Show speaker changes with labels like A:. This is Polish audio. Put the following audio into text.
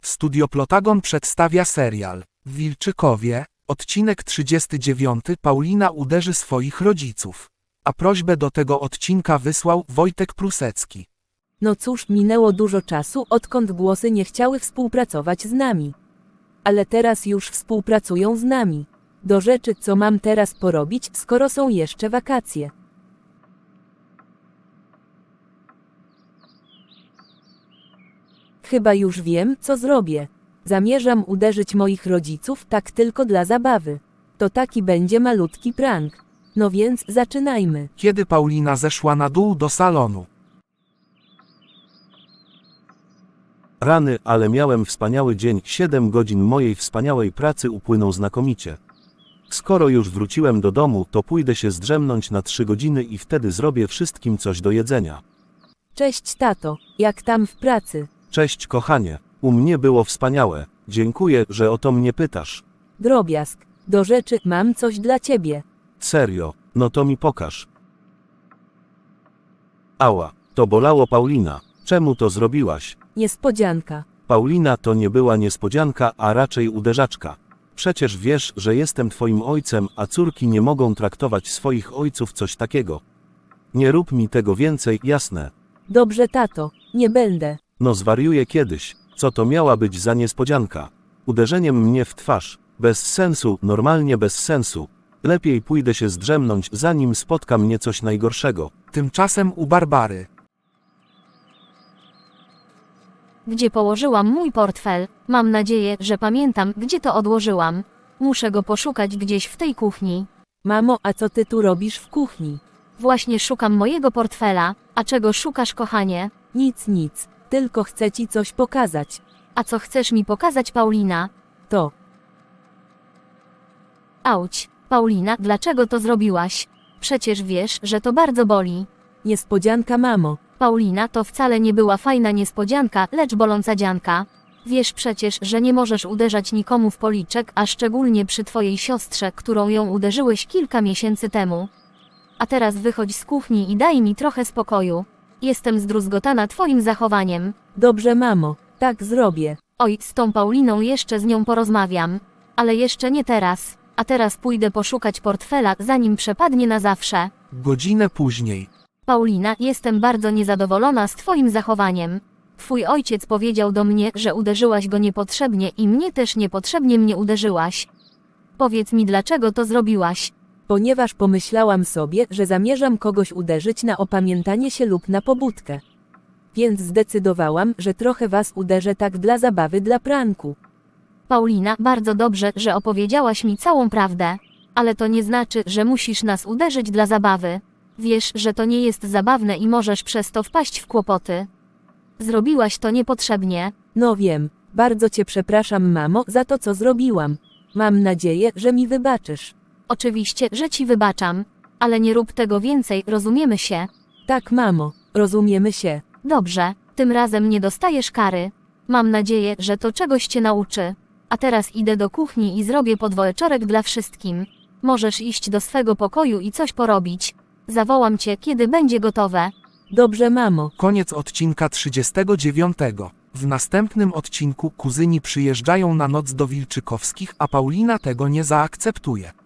A: Studio Plotagon przedstawia serial w Wilczykowie, odcinek 39. Paulina uderzy swoich rodziców. A prośbę do tego odcinka wysłał Wojtek Prusecki.
B: No cóż, minęło dużo czasu, odkąd głosy nie chciały współpracować z nami. Ale teraz już współpracują z nami. Do rzeczy, co mam teraz porobić, skoro są jeszcze wakacje. Chyba już wiem, co zrobię. Zamierzam uderzyć moich rodziców tak tylko dla zabawy. To taki będzie malutki prank. No więc zaczynajmy.
A: Kiedy Paulina zeszła na dół do salonu.
C: Rany, ale miałem wspaniały dzień, 7 godzin mojej wspaniałej pracy upłyną znakomicie. Skoro już wróciłem do domu, to pójdę się zdrzemnąć na 3 godziny i wtedy zrobię wszystkim coś do jedzenia.
B: Cześć tato, jak tam w pracy?
C: Cześć kochanie, u mnie było wspaniałe, dziękuję, że o to mnie pytasz.
B: Drobiazg, do rzeczy, mam coś dla ciebie.
C: Serio, no to mi pokaż. Ała, to bolało Paulina, czemu to zrobiłaś?
B: Niespodzianka.
C: Paulina, to nie była niespodzianka, a raczej uderzaczka. Przecież wiesz, że jestem twoim ojcem, a córki nie mogą traktować swoich ojców coś takiego. Nie rób mi tego więcej, jasne.
B: Dobrze tato, nie będę.
C: No zwariuję kiedyś, co to miała być za niespodzianka? Uderzeniem mnie w twarz, bez sensu, normalnie bez sensu. Lepiej pójdę się zdrzemnąć, zanim spotka mnie coś najgorszego.
A: Tymczasem u Barbary.
D: Gdzie położyłam mój portfel? Mam nadzieję, że pamiętam, gdzie to odłożyłam. Muszę go poszukać gdzieś w tej kuchni.
B: Mamo, a co ty tu robisz w kuchni?
D: Właśnie szukam mojego portfela. A czego szukasz, kochanie?
B: Nic, tylko chcę ci coś pokazać.
D: A co chcesz mi pokazać, Paulina?
B: To.
D: Auć, Paulina, dlaczego to zrobiłaś? Przecież wiesz, że to bardzo boli.
B: Niespodzianka mamo.
D: Paulina, to wcale nie była fajna niespodzianka, lecz boląca dzianka. Wiesz przecież, że nie możesz uderzać nikomu w policzek, a szczególnie przy twojej siostrze, którą ją uderzyłeś kilka miesięcy temu. A teraz wychodź z kuchni i daj mi trochę spokoju. Jestem zdruzgotana twoim zachowaniem.
B: Dobrze mamo, tak zrobię.
D: Oj, z tą Pauliną jeszcze z nią porozmawiam. Ale jeszcze nie teraz. A teraz pójdę poszukać portfela, zanim przepadnie na zawsze.
A: Godzinę później.
D: Paulina, jestem bardzo niezadowolona z twoim zachowaniem. Twój ojciec powiedział do mnie, że uderzyłaś go niepotrzebnie i mnie też niepotrzebnie mnie uderzyłaś. Powiedz mi, dlaczego to zrobiłaś?
B: Ponieważ pomyślałam sobie, że zamierzam kogoś uderzyć na opamiętanie się lub na pobudkę. Więc zdecydowałam, że trochę was uderzę tak dla zabawy, dla pranku.
D: Paulina, bardzo dobrze, że opowiedziałaś mi całą prawdę. Ale to nie znaczy, że musisz nas uderzyć dla zabawy. Wiesz, że to nie jest zabawne i możesz przez to wpaść w kłopoty. Zrobiłaś to niepotrzebnie.
B: No wiem, bardzo cię przepraszam mamo za to, co zrobiłam. Mam nadzieję, że mi wybaczysz.
D: Oczywiście, że ci wybaczam. Ale nie rób tego więcej, rozumiemy się?
B: Tak mamo, rozumiemy się.
D: Dobrze, tym razem nie dostajesz kary. Mam nadzieję, że to czegoś cię nauczy. A teraz idę do kuchni i zrobię podwieczorek dla wszystkim. Możesz iść do swego pokoju i coś porobić. Zawołam cię, kiedy będzie gotowe.
B: Dobrze mamo.
A: Koniec odcinka 39. W następnym odcinku kuzyni przyjeżdżają na noc do Wilczykowskich, a Paulina tego nie zaakceptuje.